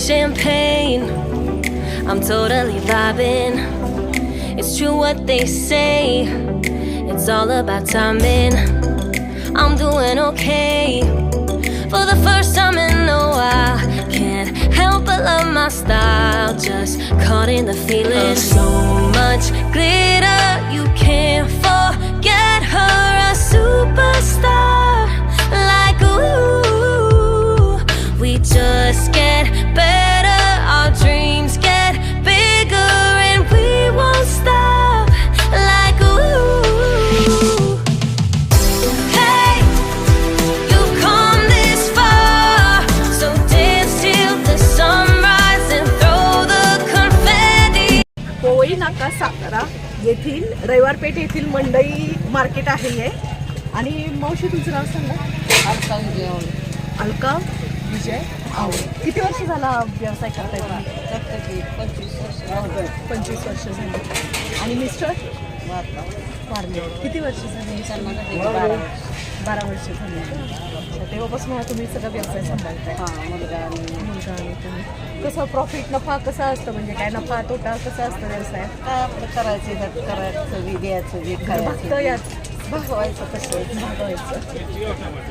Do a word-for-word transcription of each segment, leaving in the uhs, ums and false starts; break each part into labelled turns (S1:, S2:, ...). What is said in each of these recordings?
S1: champagne. I'm totally vibing. It's true what they say. It's all about timing. I'm doing okay. For the first time in a while, can't help but love my style. Just caught in the feeling. So much glitter, you can't forget her. A superstar, like ooh. We just get better, our dreams get bigger, and we won't stop, like ooh. Hey, you've come this far, so dance till the sunrise and throw the confetti.
S2: Powai नाका सातारा येथील रविवारपेठ येथील मंडई market आहे हे. आणि मावशी तुमचं नाव सांगा.
S3: अलका विजय
S2: अलका विजय आवळे. किती वर्ष झाला व्यवसाय करताय तुम्ही?
S3: पंचवीस वर्ष
S2: पंचवीस वर्ष झाली. आणि मिस्टर वारले. किती वर्ष झाली?
S3: बारा
S2: बारा वर्ष झाली. अच्छा, तेव्हापासून हा तुम्ही सगळा व्यवसाय सांभाळताय.
S3: हां मुलगा आणि
S2: मुलगा आणि तुम्ही. कसं प्रॉफिट नफा कसा असतं, म्हणजे काय नफा तोटा कसा असतं व्यवसायात?
S3: काय आपलं करायचं हे करायचं बी द्यायचं बी
S2: फक्त
S3: खायचं
S2: यात
S3: भागवायचं कसं
S2: भागवायचं.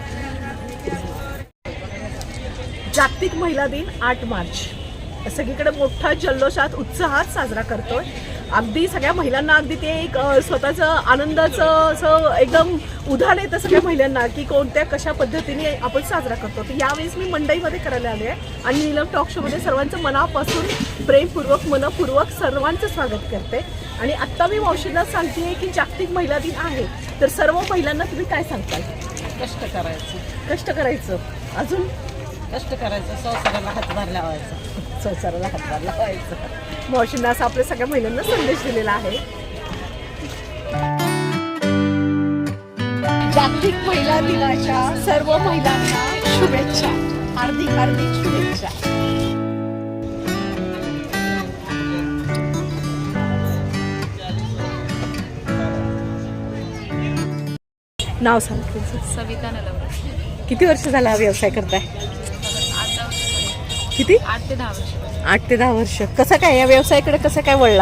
S2: जागतिक महिला दिन आठ मार्च सगळीकडे मोठा जल्लोषात उत्साहात साजरा करतोय. अगदी सगळ्या महिलांना अगदी ते एक स्वतःचं आनंदाचं असं एकदम उदाहरण येतं सगळ्या महिलांना की कोणत्या कशा पद्धतीने आपण साजरा करतो. तर यावेळेस मी मंडईमध्ये करायला आले आहे आणि नीलम टॉक शोमध्ये सर्वांचं मनापासून प्रेमपूर्वक मनपूर्वक सर्वांचं स्वागत करते. आणि आत्ता मी मावशीला सांगते की जागतिक महिला दिन आहे, तर सर्व महिलांना तुम्ही काय सांगताल?
S3: कष्ट करायचं
S2: कष्ट करायचं, अजून
S3: कष्ट करायचं, संसाराला हातभार लावायचा.
S2: संसाराला हातभार लावायचं. मावशींना असं आपल्या सगळ्या महिलांना संदेश दिलेला आहे. जागतिक महिला दिनाच्या सर्व महिलांना शुभेच्छा, हार्दिक हार्दिक शुभेच्छा. नाव सांग तुमचं.
S4: सविता नलवडे.
S2: किती वर्ष झाला हा व्यवसाय करताय?
S4: आता
S2: किती?
S4: आठ ते दहा वर्ष.
S2: आठ ते दहा वर्ष. कसं काय या व्यवसायाकडे कसं काय वळला?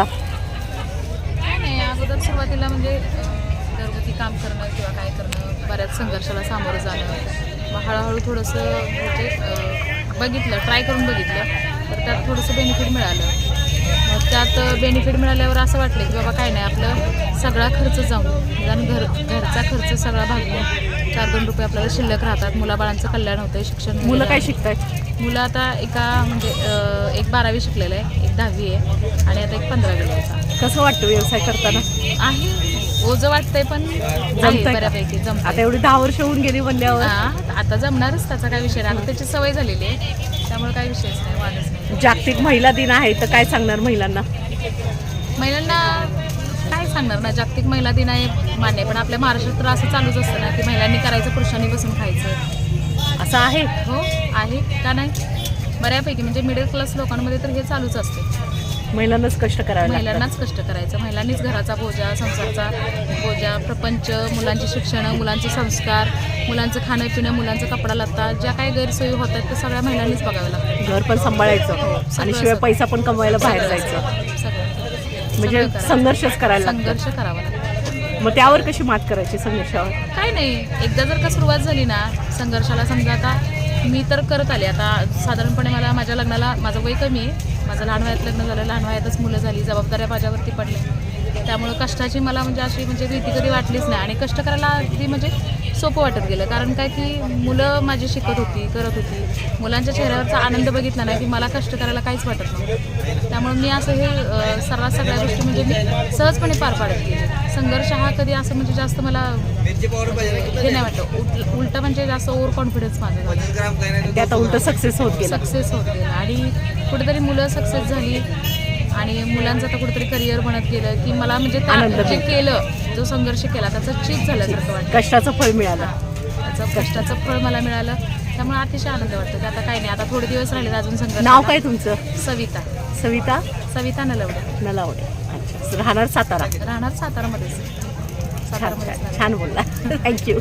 S4: काय नाही, अगोदर सुरुवातीला म्हणजे अं, घरगुती काम करणं किंवा काय करणं, बऱ्याच संघर्षाला सामोरं जाणं. मग हळूहळू थोडंसं म्हणजे अं, बघितलं, ट्राय करून बघितलं, तर त्यात थोडंसं बेनिफिट मिळालं. मग त्यात बेनिफिट मिळाल्यावर असं वाटलं की बाबा काय नाही, आपलं सगळा खर्च जाऊन निदान घर घरचा खर्च सगळा भागून चार दोन रुपये आपल्याला शिल्लक राहतात. मुलाबाळांचं कल्याण होतं, शिक्षण.
S2: मुलं काय शिकतायत?
S4: मुलं आता एका म्हणजे एक बारावी शिकलेलं आहे, एक दहावी आहे आणि आता एक पंधरावी आहे.
S2: कसं वाटतं व्यवसाय करताना?
S4: आहे ओझं वाटतंय पण आहे बऱ्यापैकी जमतं.
S2: आता एवढी दहा वर्ष होऊन गेली म्हणल्यावर
S4: आता जमणारच, त्याचा काय विषय नाही. आता त्याची सवय झालेली आहे, त्यामुळे काही विषयच नाही, वादच नाही.
S2: जागतिक महिला दिन आहे तर काय सांगणार महिलांना?
S4: महिलांना काय सांगणार ना, जागतिक महिला दिन आहे मान्य, पण आपल्या महाराष्ट्रात तर असं चालूच असतं ना की महिलांनी करायचं, पुरुषांनी बसून खायचं.
S2: असं आहे?
S4: हो आहे, का नाही. बऱ्यापैकी म्हणजे मिडल क्लास लोकांमध्ये तर हे चालूच असते.
S2: महिलांनाच कष्ट करावे,
S4: महिलांनाच कष्ट करायचं, महिलांनीच घराचा बोजा, संसाराचा बोजा, प्रपंच, मुलांची शिक्षण, मुलांचे संस्कार, मुलांचं खाणं पिणं, मुलांचा कपडा लत्ता, ज्या काही गैरसोयी होतात त्या सगळ्या महिलांनीच बघावं लागतं.
S2: घर पण सांभाळायचं आणि शिवाय पैसा पण कमवायला बाहेर जायचं,
S4: सगळं
S2: म्हणजे संघर्षच करायला लागतो.
S4: संघर्ष करावा लागतो.
S2: मग त्यावर कशी मात करायची संघर्षावर?
S4: काय नाही, एकदा जर का सुरुवात झाली ना संघर्षाला, समजा आता मी तर करत आले, आता साधारणपणे मला माझ्या लग्नाला माझं वय कमी आहे, माझं लहान वयात लग्न झालं, लहान वयातच मुलं झाली, जबाबदाऱ्या माझ्यावरती पडल्या, त्यामुळं कष्टाची मला म्हणजे अशी म्हणजे भीती कधी वाटलीच नाही. आणि कष्ट करायला अगदी म्हणजे सोपं वाटत गेलं, कारण काय की मुलं माझी शिकत होती, करत होती, मुलांच्या चेहऱ्यावरचा आनंद बघितला नाही की मला कष्ट करायला काहीच वाटत नव्हतं. त्यामुळे मी असं हे सर्रास सगळ्या गोष्टी म्हणजे मी सहजपणे पार पाडत गेले. संघर्ष हा कधी असं म्हणजे जास्त मला हे नाही वाटतं, उलट उलट म्हणजे जास्त ओव्हर कॉन्फिडन्स माझं झालं,
S2: त्यात उलट सक्सेस होत गेलं.
S4: सक्सेस होत गेलं आणि कुठेतरी मुलं सक्सेस झाली आणि मुलांचं तर कुठेतरी करिअर बनत गेलं की मला म्हणजे जे केलं, जो संघर्ष केला त्याचं चीज झाल्यासारखं वाटतं.
S2: कष्टाचं फळ मिळालं,
S4: त्याचं कष्टाचं फळ मला मिळालं, त्यामुळे अतिशय आनंद वाटतो. की आता काही नाही, आता थोडे दिवस राहिले अजून संघर्ष.
S2: नाव काय तुमचं?
S4: सविता.
S2: सविता
S4: सविता नलवडे.
S2: नलावडे. अच्छा, राहणार सातारा?
S4: राहणार सातारामध्येच.
S2: छान छान बोलला, थँक्यू.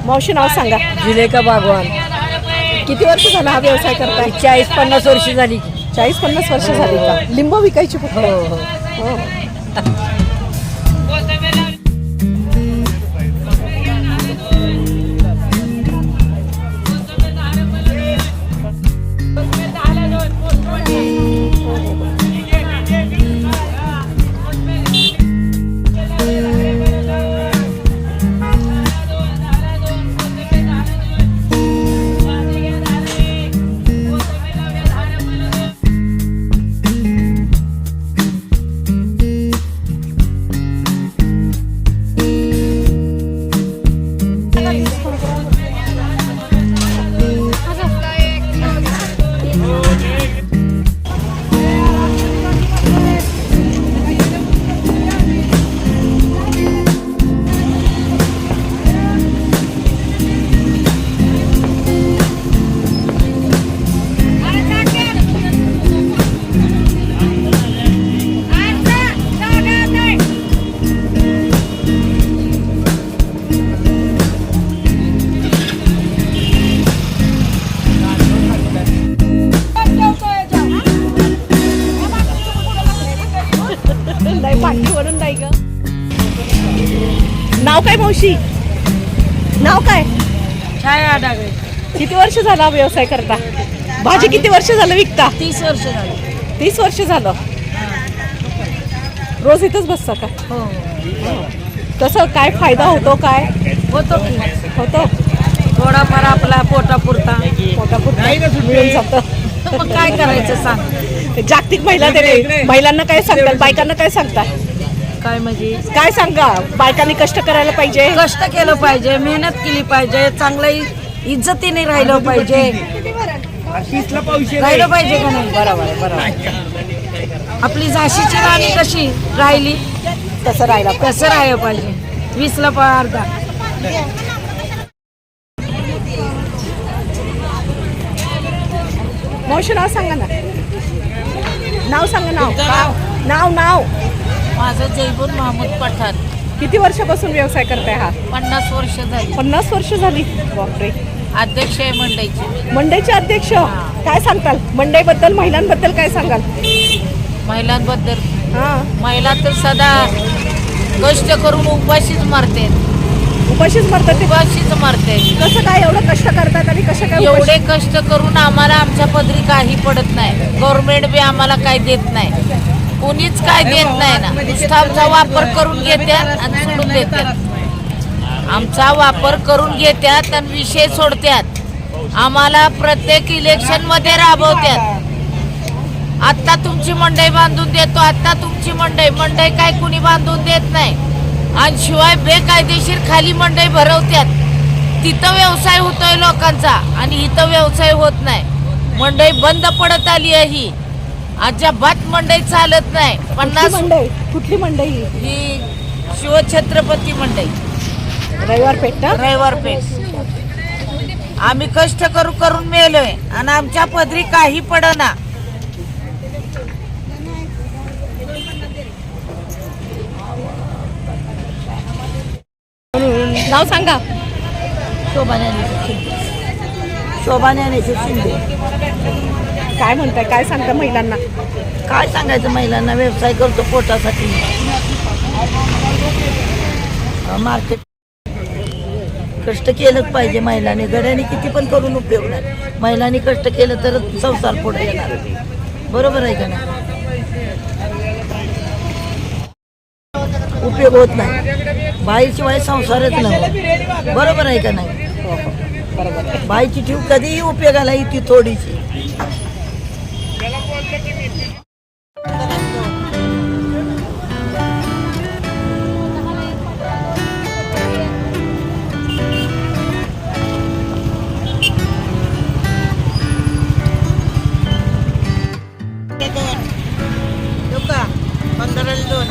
S2: मावशी नाव सांगा.
S5: जुलेखा बागवान.
S2: किती वर्ष झाला हा व्यवसाय करताय?
S5: चाळीस पन्नास वर्ष झाली.
S2: चाळीस पन्नास वर्ष झाली का? लिंब विकायची फक्त?
S5: हो हो.
S2: हो. नाही पाठी वरून नाही ग. नाव काय मावशी? नाव काय?
S5: छाया डागळे.
S2: किती वर्ष झाला हा व्यवसाय करता? भाजी किती वर्ष झालं विकता?
S5: तीस वर्ष झाली.
S2: तीस वर्ष झालं. रोज इथंच बसता का?
S5: हो
S2: कसं काय फायदा होतो? काय
S5: होतो की.
S2: होतो?
S5: थोडाफार आपला पोटापुरता.
S2: पोटापुरतं मिळून जातं.
S5: मग काय करायचं सांग.
S2: जागतिक महिला दिन, महिलांना काय सांगतात? बायकांना काय सांगतात?
S5: काय म्हणजे
S2: काय सांगा? बायकांनी कष्ट करायला पाहिजे.
S5: कष्ट केलं पाहिजे, मेहनत केली पाहिजे, चांगलं इज्जतीने राहिलं पाहिजे. राहिलं पाहिजे का नाही?
S2: बरोबर बरोबर.
S5: आपली झाशीची राणी कशी राहिली
S2: तसं राहिला.
S5: कसं राहायला पाहिजे. वीसला अर्धा.
S2: मावशी नाव सांगा ना. नाव सांगा. नाव नाव नाव
S5: माझं जयबूर महमूद पठाण.
S2: किती वर्षापासून व्यवसाय करताय हा?
S5: पन्नास वर्ष झाली.
S2: पन्नास वर्ष झाली. बापरे.
S5: अध्यक्ष आहे मंडईची.
S2: मंडईचे अध्यक्ष. काय सांगताल मंडईबद्दल, महिलांबद्दल काय सांगाल?
S5: महिलांबद्दल
S2: हा.
S5: महिला तर सदा कष्ट करून उपाशीच मारते.
S2: उपाशीच मरतात ते.
S5: उपाशीच मारते.
S2: कसं काय एवढं कष्ट करतात आणि कसं काय
S5: एवढे कष्ट करून आम्हाला आमच्या पदरी काही पडत नाही. गव्हर्नमेंट बी आम्हाला काही देत नाही. कोणीच काय देत नाही ना. नुसता आमचा वापर करून घेतात आणि सोडून देतात. आमचा वापर करून घेतात आणि विषय सोडतात. आम्हाला प्रत्येक इलेक्शन मध्ये राबवतात. आत्ता तुमची मंडई बांधून देतो, आत्ता तुमची मंडई मंडई काय कुणी बांधून देत नाही. आणि शिवाय बेकायदेशीर खाली मंडई भरवतात. तिथं व्यवसाय होतोय लोकांचा आणि इथं व्यवसाय होत नाही. मंडई बंद पडत आली आहे. ही अजिबात मंडई चालत नाही. पन्नास
S2: मंडई. कुठली मंडई?
S5: ही शिवछत्रपती मंडई,
S2: रविवार पेठ ना?
S5: रविवार पेठ. आम्ही कष्ट करू करून मेलोय आणि आमच्या पदरी काही पडना.
S2: नाव सांगा.
S3: शोभाण्याने शिंदे.
S2: काय म्हणताय? काय सांगता महिलांना?
S3: काय सांगायचं महिलांना? व्यवसाय करतो पोटासाठी. मार्केट कष्ट केलंच पाहिजे महिलांनी. गड्याने किती पण करून उपयोग नाही. महिलांनी कष्ट केलं तर संसार पुढे येणार. बरोबर आहे का नाही? उपयोग होत नाही. बाईशिवाय संसारच नाही. बरोबर आहे का नाही? बाईची ठेव कधीही उपयोगाला येते थोडीशी. पंधराला दोन.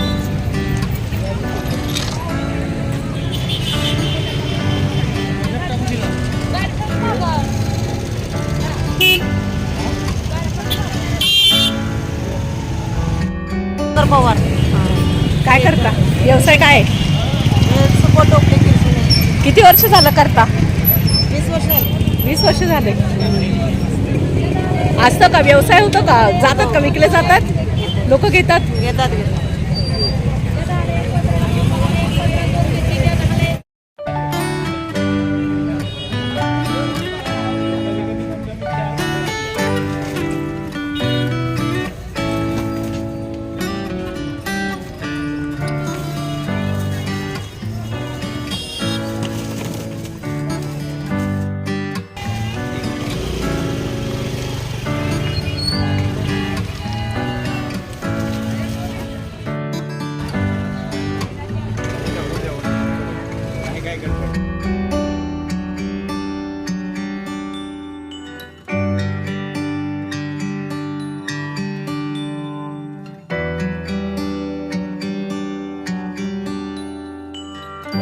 S5: पवार.
S2: काय करता? व्यवसाय काय?
S5: सुपट ओके.
S2: किती वर्ष झालं करता? वीस वर्ष झाले. असतं का व्यवसाय होतो का? जातात का विकले जातात लोक घेतात?
S3: घेतात घेतात